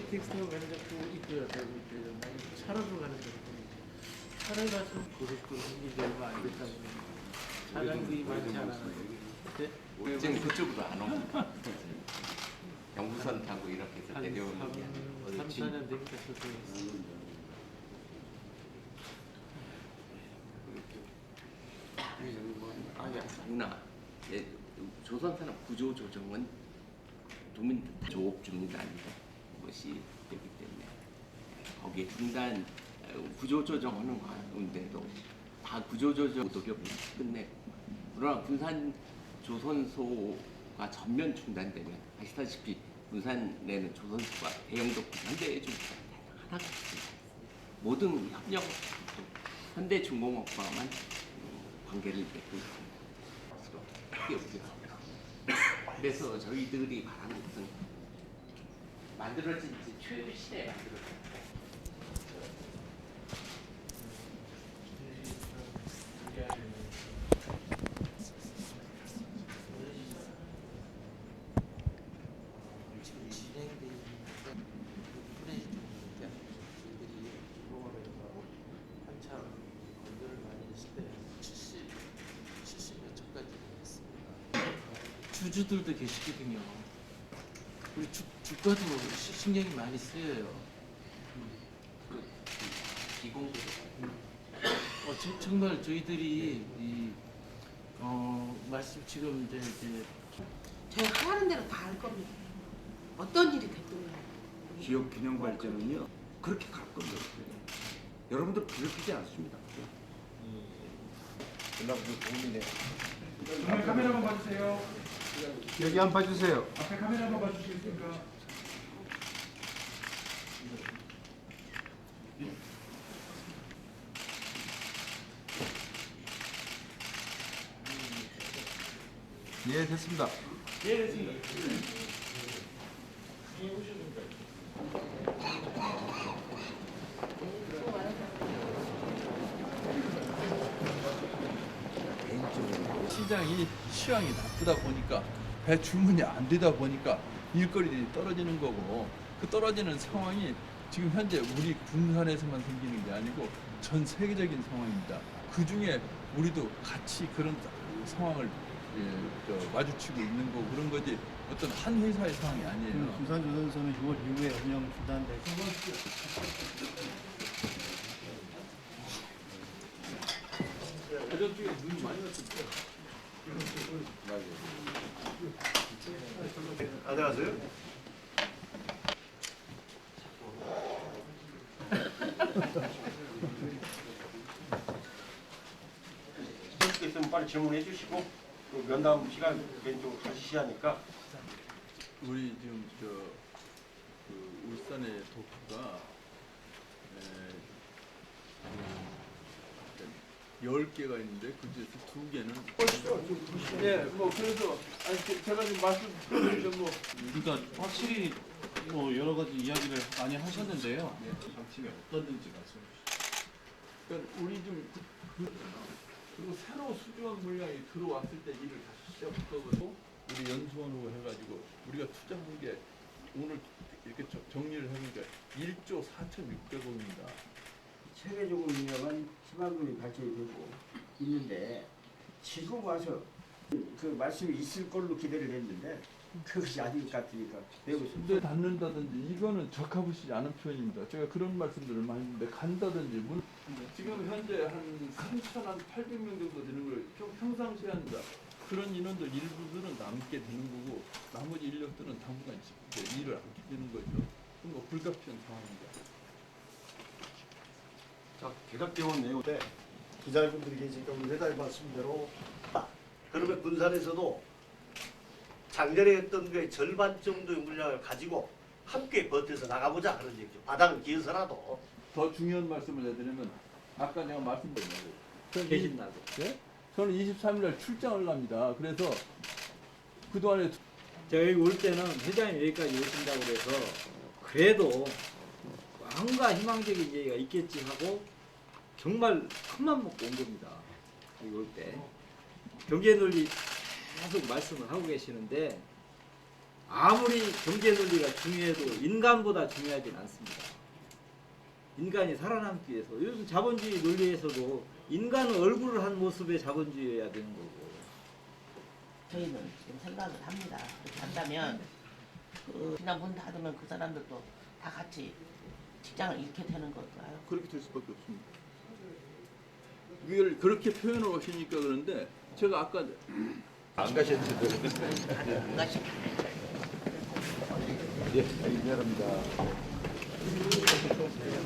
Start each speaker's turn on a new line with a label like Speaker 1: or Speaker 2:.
Speaker 1: KTX로 가는 데도 있고요. 대구 있고요. 차로도 가는 데도 있고. 차를 가서 고속도로 생긴 지 얼마 안 됐다 보니까 차량들이 많지 않아서. 네?
Speaker 2: 지금 그쪽으로 안 옵니다. 경부선 타고 이렇게 해서 내려오는 게 아니고
Speaker 1: 3, 4년 되니까 저도
Speaker 2: 누나, 예, 조선산업 구조 조정은 도민 조업중단이다 것이 되기 때문에 거기에 중단 구조 조정하는 가운데도 다 구조 조정 노력을 끝내고 그러나 군산 조선소가 전면 중단되면 아시다시피 군산에는 조선소가 대형도 현대중공업 하나가 없습니다. 모든 협력 현대중공업과만 관계를 맺고 있습니다. 크게 우려합니다. 그래서 저희들이 말하는 것은 만들어진 최시대에 만들어진
Speaker 1: 지금 진행돼 있는 프레이 중이니까 저희들이 중공업에서 한참 건조를 많이 했을 때 70몇 척까지 했습니다. 주주들도 계시거든요. 우리 주가도 신경이 많이 쓰여요.
Speaker 2: 기공도
Speaker 1: 정말 저희들이 말씀 지금 이제
Speaker 3: 저희 하라는 대로 다 할 겁니다. 어떤 일이 됐든
Speaker 4: 지역 균형 발전은요 그렇게 갈 겁니다. 여러분들 괴롭히지 않습니다. 연락도 도움이네요.
Speaker 5: 정말 카메라 한번 봐주세요.
Speaker 4: 여기 한번 봐주세요.
Speaker 5: 앞에 카메라 한번 봐주시겠습니까?
Speaker 4: 예, 됐습니다.
Speaker 5: 예, 됐습니다.
Speaker 6: 시장이 시황이 나쁘다 보니까 배 주문이 안 되다 보니까 일거리들이 떨어지는 거고 그 떨어지는 상황이 지금 현재 우리 군산에서만 생기는 게 아니고 전 세계적인 상황입니다. 그 중에 우리도 같이 그런 상황을 마주치고 있는 거고 그런 거지 어떤 한 회사의 상황이 아니에요.
Speaker 7: 군산조선소는 6월 이후에 운영 중단되고
Speaker 6: 저쪽에 눈이 많이 왔을
Speaker 7: 안녕하세요.
Speaker 8: 게 있으면 빨리 질문해 주시고 그 면담 시간 왼쪽으로 가시시 하니까
Speaker 6: 우리 지금 그 울산의 도쿄가 10개가 있는데 그 중에서 2개는
Speaker 1: 네, 뭐 그래서 제가 지금 말씀드리면 뭐
Speaker 7: 그러니까 확실히 뭐 여러 가지 이야기를 많이 하셨는데요. 방침이 어떤지 말씀해 주시죠.
Speaker 6: 그러니까 우리 좀 그리고 새로 수주한 물량이 들어왔을 때 일을 다시 시작하고 우리 연수원으로 해가지고 우리가 투자한 게 오늘 이렇게 정리를 해보니까 1조 4,600억입니다.
Speaker 9: 세계적으로 유명한 희망금이 발전이 되고 있는데 지금 와서 그 말씀이 있을 걸로 기대를 했는데 그것이 아닌 것 같으니까 매우
Speaker 6: 근데 닿는다든지 이거는 적합하지 않은 표현입니다. 제가 그런 말씀들을 많이 했는데 간다든지 지금 현재 한 3,800명 정도 되는 걸 평상시에 한다. 그런 인원들 일부들은 남게 되는 거고 나머지 인력들은 당분간 이제 일을 않게 되는 거죠. 그건 뭐 불가피한 상황입니다.
Speaker 8: 자 개각대원 내용
Speaker 7: 네, 기자분들이 지금 회장님 말씀대로
Speaker 10: 그러면 군산에서도 작년에 했던 게 절반 정도의 물량을 가지고 함께 버텨서 나가보자 그런 얘기죠. 바닥을 기어서라도.
Speaker 6: 더 중요한 말씀을 해드리면 아까 내가 말씀드렸는데
Speaker 10: 계신다고.
Speaker 6: 네? 저는 23일 날 출장을 갑니다. 그래서 그동안에
Speaker 7: 제가 여기 올 때는 회장님 여기까지 오신다고 그래서 그래도 뭔가 희망적인 얘기가 있겠지 하고 정말 큰맘 먹고 온 겁니다. 여기 올 때 경제 논리 계속 말씀을 하고 계시는데 아무리 경제 논리가 중요해도 인간보다 중요하진 않습니다. 인간이 살아남기 위해서 요즘 자본주의 논리에서도 인간은 얼굴을 한 모습의 자본주의여야 되는 거고.
Speaker 11: 저희는 지금 생각을 합니다. 그렇게 한다면 그냥 문 닫으면 그 사람들도 다 같이 직장을 잃게 되는 걸까요?
Speaker 6: 그렇게 될 수밖에 없습니다. 이걸 그렇게 표현을 하시니까 그런데 제가 아까 안 가셨는데
Speaker 11: 안 가시.
Speaker 6: 예, 미안합니다.